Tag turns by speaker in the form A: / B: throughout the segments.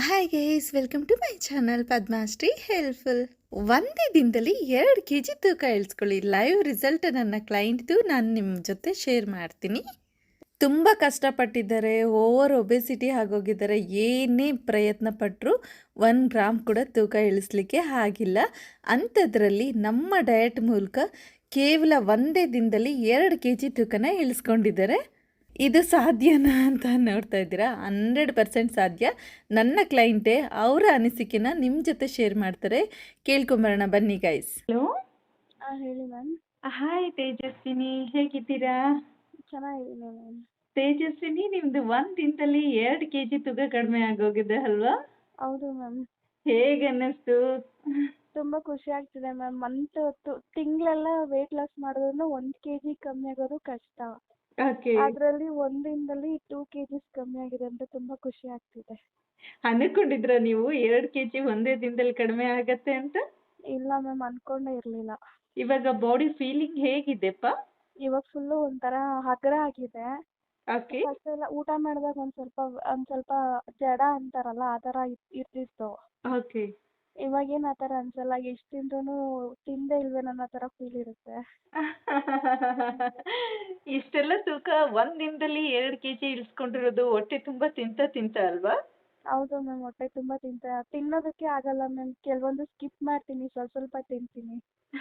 A: Hi guys, welcome to my channel Padmashree helpful. ಒಂದೇ ದಿನದಲ್ಲಿ 2 kg ತೂಕ ಇಳಿಸ್ಕೊಳ್ಳಿ. ಲೈವ್ ರಿಸಲ್ಟ್ ನನ್ನ ಕ್ಲೈಂಟ್ದು ನಾನು ನಿಮ್ಮ ಜೊತೆ ಶೇರ್ ಮಾಡ್ತೀನಿ. ತುಂಬ ಕಷ್ಟಪಟ್ಟಿದ್ದಾರೆ, ಓವರ್ ಒಬೆಸಿಟಿ ಆಗೋಗಿದ್ದಾರೆ. ಏನೇ ಪ್ರಯತ್ನ ಪಟ್ಟರು 1 ಗ್ರಾಮ್ ಕೂಡ ತೂಕ ಇಳಿಸ್ಲಿಕ್ಕೆ ಆಗಿಲ್ಲ. ಅಂಥದ್ರಲ್ಲಿ ನಮ್ಮ ಡಯಟ್ ಮೂಲಕ ಕೇವಲ ಒಂದೇ ದಿನದಲ್ಲಿ 2 kg ತೂಕನ ಇಳಿಸ್ಕೊಂಡಿದ್ದಾರೆ. ಇದು ಸಾಧ್ಯನಾ ಅಂತ ನೋಡ್ತಾ ಇದ್ದೀರಾ? 100% ಸಾಧ್ಯ. ನನ್ನ ಕ್ಲೈಂಟೇ ಅವರ ಅನಿಸಿಕೆನ ನಿಮ್ಮ ಜೊತೆ ಶೇರ್ ಮಾಡ್ತಾರೆ. ಕೇಳ್ಕೊಂಬರೋಣ ಬನ್ನಿ ಗೈಸ್.
B: ಹಲೋ,
C: ಹೇಳಿ ಮ್ಯಾಮ್.
B: ಹಾಯ್ ತೇಜಸ್ವಿನಿ, ಹೇಗಿದ್ದೀರಾ?
C: ಚೆನ್ನಾಗಿದ್ದೀನಿ ಮ್ಯಾಮ್.
B: ತೇಜಸ್ವಿನಿ, ನಿಮ್ದು 1 ದಿನದಲ್ಲಿ 2 kg ತೂಕ ಕಡಿಮೆ ಆಗೋಗಿದೆ ಅಲ್ವಾ?
C: ಹೌದು ಮ್ಯಾಮ್.
B: ಹೇಗೆ ಅನ್ನಿಸ್ತು?
C: ತುಂಬಾ ಖುಷಿ ಆಗ್ತಿದೆ ಮ್ಯಾಮ್. ತಿಂಗಳೆಲ್ಲ ವೇಟ್ ಲಾಸ್ ಮಾಡಿದ್ರು 1 kg ಕಮ್ಮಿ ಆಗೋದು ಕಷ್ಟ.
B: ಓಕೆ.
C: ಅದರಲ್ಲಿ ಒಂದಿನದಲ್ಲಿ 2 kgs ಕಮ್ಮಿ ಆಗಿದೆ ಅಂತ ತುಂಬಾ ಖುಷಿ ಆಗ್ತಿದೆ.
B: ಅನ್ಕೊಂಡಿದ್ರ ನೀವು 2 kg ಒಂದೇ ದಿನದಲ್ಲಿ ಕಡಿಮೆ ಆಗತ್ತೆ ಅಂತ?
C: ಇಲ್ಲ ಮ್ಯಾಮ್, ಅನ್ಕೊಂಡೇ ಇರ್ಲಿಲ್ಲ.
B: ಇವಾಗ ಬಾಡಿ ಫೀಲಿಂಗ್ ಹೇಗಿದೆಪ್ಪ?
C: ಇವಾಗ ಫುಲ್ಲು ಒಂಥರ ಹಗುರ ಆಗಿದೆ.
B: ಓಕೆ.
C: ಫಸ್ಟ್ ಎಲ್ಲ ಊಟ ಮಾಡಿದಾಗ ಒಂದ್ ಸ್ವಲ್ಪ ಜಡ ಅಂತಾರಲ್ಲ ಆ ಥರ ಇರ್ತಿತ್ತು.
B: ಓಕೆ.
C: ಇವಾಗೇನು ಆ ಥರ ಅನ್ಸಲ್ಲ. ಎಷ್ಟು ತಿಂದ್ರೂ ತಿಂದೇ ಇಲ್ವೇನೋ ಅನ್ನೋ ಥರ ಫೀಲ್ ಇರುತ್ತೆ.
B: ಇಷ್ಟೆಲ್ಲ ತೂಕ 1 ದಿನದಲ್ಲಿ 2 kg ಇಳಿಸ್ಕೊಂಡಿರೋದು ಹೊಟ್ಟೆ ತುಂಬಾ ತಿಂತ ಅಲ್ವಾ?
C: ಹೌದು ಮ್ಯಾಮ್, ಹೊಟ್ಟೆ ತುಂಬ ತಿನ್ನೋದಕ್ಕೆ ಆಗಲ್ಲ ಮ್ಯಾಮ್. ಕೆಲವೊಂದು ಸ್ಕಿಪ್ ಮಾಡ್ತೀನಿ, ಸ್ವಲ್ಪ ತಿಂತೀನಿ.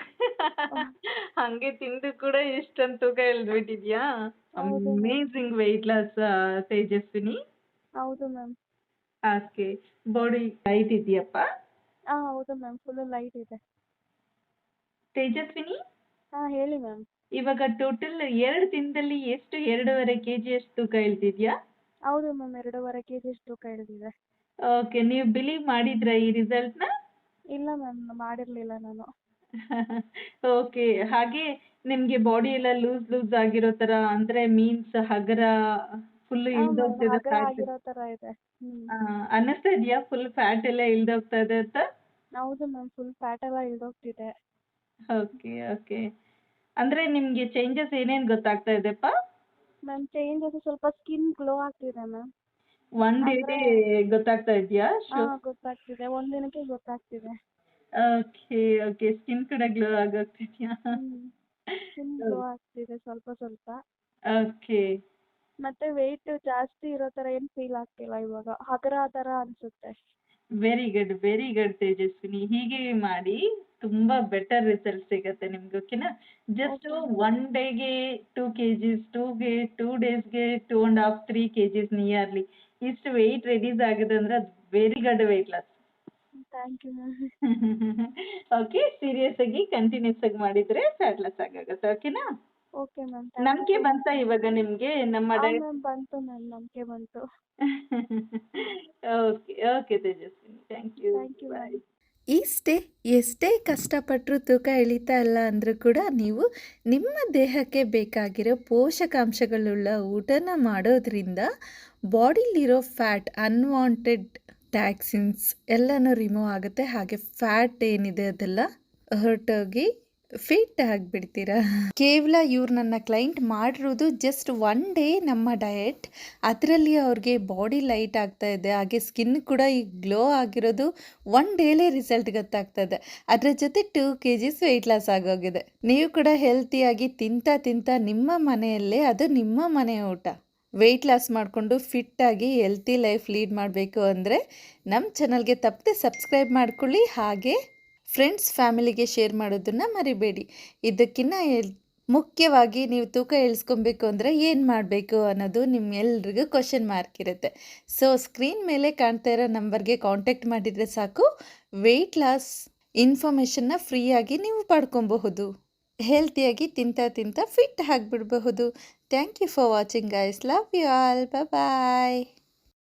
B: ಹಂಗೆ ತಿಂದು ಕೂಡ ಇಷ್ಟೊಂದು ತೂಕ ಇಳಿದ್ಬಿಟ್ಟಿದ್ಯಾ?
C: ಹೌದು ma'am.
B: Amazing weight loss Tejaswini.
C: ಹೌದು ಮ್ಯಾಮ್.
B: ಓಕೆ. ಬಾಡಿ ಲೈಟ್ ಇದೆಯಪ್ಪ?
C: ಹೌದು ಮ್ಯಾಮ್, ಫುಲ್ ಲೈಟ್ ಇದೆ.
B: ತೇಜಸ್ವಿನಿ,
C: ಹೇಳಿ ಮ್ಯಾಮ್.
B: ಇವಾಗ ಟೋಟಲ್ 2 ದಿನದಲ್ಲಿ ಎಷ್ಟು 2.5 kg ಅಷ್ಟು ತೂಕ ಇಳ್ದಿದ್ಯಾ?
C: ಹೌದು ಮ್ಯಾಮ್, 2.5 kg ಅಷ್ಟು ತೂಕ ಇಳಿದಿದೆ.
B: ಓಕೆ. ನೀವು ಬಿಲೀವ್ ಮಾಡಿದ್ರಾ ಈ ರಿಸಲ್ಟ್ನ?
C: ಇಲ್ಲ ಮ್ಯಾಮ್, ಮಾಡಿರಲಿಲ್ಲ ನಾನು.
B: ಓಕೆ. ಹಾಗೆ ನಿಮ್ಗೆ ಬಾಡಿ ಎಲ್ಲ ಲೂಸ್ ಆಗಿರೋ ತರ, ಅಂದ್ರೆ ಮೀನ್ಸ್ ಹಗರ ಫುಲ್ ಇಳ್ದೋಗ್ತಿದೆ
C: ಹಗರ
B: ಫ್ಯಾಟ್?
C: ಆಗಿರೋ ಥರ ಇದೆ.
B: ಅನ್ನಿಸ್ತಾ ಇದೆಯಾ ಫುಲ್ ಫ್ಯಾಟ್ ಎಲ್ಲ ಇಳ್ದೋಗ್ತಾ ಇದೆ ಅಂತ?
C: ಹೌದು ಮ್ಯಾಮ್, ಫುಲ್ ಫ್ಯಾಟ್ ಎಲ್ಲ ಇಳ್ದೋಗ್ತಿದೆ.
B: ಓಕೆ. ಓಕೆ. ಅಂದ್ರೆ ನಿಮ್ಗೆ ಚೇಂಜಸ್ ಏನೇನ್ ಗೊತ್ತಾಗ್ತಾ ಇದೆಪ್ಪ?
C: ಮ್ಯಾಮ್, ಚೇಂಜಸ್ ಸ್ವಲ್ಪ ಸ್ಕಿನ್ ಗ್ಲೋ ಆಗ್ತಿದೆ ಮ್ಯಾಮ್.
B: 1 ಡೇಗೆ ಗೊತ್ತಾಗ್ತಾ ಇದೆಯಾ?
C: ಗೊತ್ತಾಗ್ತಿದೆ, ಒಂದಿನಕ್ಕೆ ಗೊತ್ತಾಗ್ತಿದೆ.
B: ಓಕೆ. ಓಕೆ. ಸ್ಕಿನ್ ಕೂಡ ಗ್ಲೋ ಆಗೋಗ್ತಿದ್ಯಾ?
C: ಸ್ಕಿನ್ ಗ್ಲೋ ಆಗ್ತಿದೆ ಸ್ವಲ್ಪ.
B: ಓಕೆ.
C: ಮತ್ತೆ ವೆಯ್ಟ್ ಜಾಸ್ತಿ ಇರೋ ಥರ ಏನು ಫೀಲ್ ಆಗ್ತಿಲ್ಲ ಇವಾಗ. ಹಗುರ ಥರ ಅನ್ಸುತ್ತೆ.
B: Very good, very good Tejaswini. ಹೀಗೆ ಮಾಡಿ ತುಂಬಾ ಬೆಟರ್ ರಿಸಲ್ಟ್ ಸಿಗತ್ತೆ ನಿಮ್ಗೆ. ಓಕೆನಾ? ಜಸ್ಟ್ 1 ಡೇಗೆ 2 kgs, 2 ಡೇಸ್ಗೆ 2.5 3 kgs ನಿಯರ್ಲಿ ಇಷ್ಟು ವೆಯ್ಟ್ ರೆಡ್ಯೂಸ್ ಆಗಿದೆ ಅಂದ್ರೆ ಅದು very good weight loss.
C: Thank you ma'am.
B: Okay. Serious ಆಗಿ ಕಂಟಿನ್ಯೂಸ್ ಆಗಿ ಮಾಡಿದ್ರೆ ಫ್ಯಾಟ್ ಲಾಸ್ ಆಗುತ್ತೆ. ಓಕೆನಾ?
C: Okay ma'am.
B: ನಂಬಿಕೆ ಬಂತಾ ಇವಾಗ ನಿಮ್ಗೆ ನಮ್ಮ ಡಯಟ್?
C: ಮ್ಯಾಮ್, ಬಂತು ಮ್ಯಾಮ್, ನಂಬಿಕೆ ಬಂತು.
B: Okay. Okay Tejaswini, thank you.
C: Thank you ma'am.
A: ಎಷ್ಟೇ ಕಷ್ಟಪಟ್ಟರು ತೂಕ ಇಳಿತಾ ಇಲ್ಲ ಅಂದರೂ ಕೂಡ ನೀವು ನಿಮ್ಮ ದೇಹಕ್ಕೆ ಬೇಕಾಗಿರೋ ಪೋಷಕಾಂಶಗಳುಳ್ಳ ಊಟನ ಮಾಡೋದ್ರಿಂದ ಬಾಡಿಲಿರೋ ಫ್ಯಾಟ್, ಅನ್ವಾಂಟೆಡ್ ಟ್ಯಾಕ್ಸಿನ್ಸ್ ಎಲ್ಲನೂ ರಿಮೂವ್ ಆಗುತ್ತೆ. ಹಾಗೆ ಫ್ಯಾಟ್ ಏನಿದೆ ಅದೆಲ್ಲ ಹೊರಟೋಗಿ ಫಿಟ್ ಆಗಿಬಿಡ್ತೀರಾ. ಕೇವಲ ಇವ್ರು ನನ್ನ ಕ್ಲೈಂಟ್ ಮಾಡಿರೋದು ಜಸ್ಟ್ 1 ಡೇ ನಮ್ಮ ಡಯಟ್. ಅದರಲ್ಲಿ ಅವ್ರಿಗೆ ಬಾಡಿ ಲೈಟ್ ಆಗ್ತಾ ಇದೆ, ಹಾಗೆ ಸ್ಕಿನ್ ಕೂಡ ಈಗ ಗ್ಲೋ ಆಗಿರೋದು 1 ಡೇಲೇ ರಿಸಲ್ಟ್ ಗೊತ್ತಾಗ್ತಾ ಇದೆ. ಅದರ ಜೊತೆ 2 kgs ವೆಯ್ಟ್ ಲಾಸ್ ಆಗೋಗಿದೆ. ನೀವು ಕೂಡ ಹೆಲ್ತಿಯಾಗಿ ತಿಂತ ನಿಮ್ಮ ಮನೆಯಲ್ಲೇ, ಅದು ನಿಮ್ಮ ಮನೆ ಊಟ, ವೆಯ್ಟ್ ಲಾಸ್ ಮಾಡಿಕೊಂಡು ಫಿಟ್ಟಾಗಿ ಹೆಲ್ತಿ ಲೈಫ್ ಲೀಡ್ ಮಾಡಬೇಕು ಅಂದರೆ ನಮ್ಮ ಚಾನಲ್ಗೆ ತಪ್ಪದೆ ಸಬ್ಸ್ಕ್ರೈಬ್ ಮಾಡ್ಕೊಳ್ಳಿ. ಹಾಗೆ ಫ್ರೆಂಡ್ಸ್ ಫ್ಯಾಮಿಲಿಗೆ ಶೇರ್ ಮಾಡೋದನ್ನು ಮರಿಬೇಡಿ. ಇದಕ್ಕಿಂತ ಮುಖ್ಯವಾಗಿ ನೀವು ತೂಕ ಇಳಿಸ್ಕೊಬೇಕು ಅಂದರೆ ಏನು ಮಾಡಬೇಕು ಅನ್ನೋದು ನಿಮ್ಮೆಲ್ರಿಗೂ ಕ್ವಶನ್ ಮಾರ್ಕ್ ಇರುತ್ತೆ. ಸೊ ಸ್ಕ್ರೀನ್ ಮೇಲೆ ಕಾಣ್ತಾ ಇರೋ ನಂಬರ್ಗೆ ಕಾಂಟ್ಯಾಕ್ಟ್ ಮಾಡಿದರೆ ಸಾಕು, ವೆಯ್ಟ್ ಲಾಸ್ ಇನ್ಫಾರ್ಮೇಷನ್ನ ಫ್ರೀಯಾಗಿ ನೀವು ಪಡ್ಕೊಬಹುದು. ಹೆಲ್ತಿಯಾಗಿ ತಿಂತ ಫಿಟ್ ಆಗಿಬಿಡಬಹುದು. Thank you for watching guys. Love you all. Bye.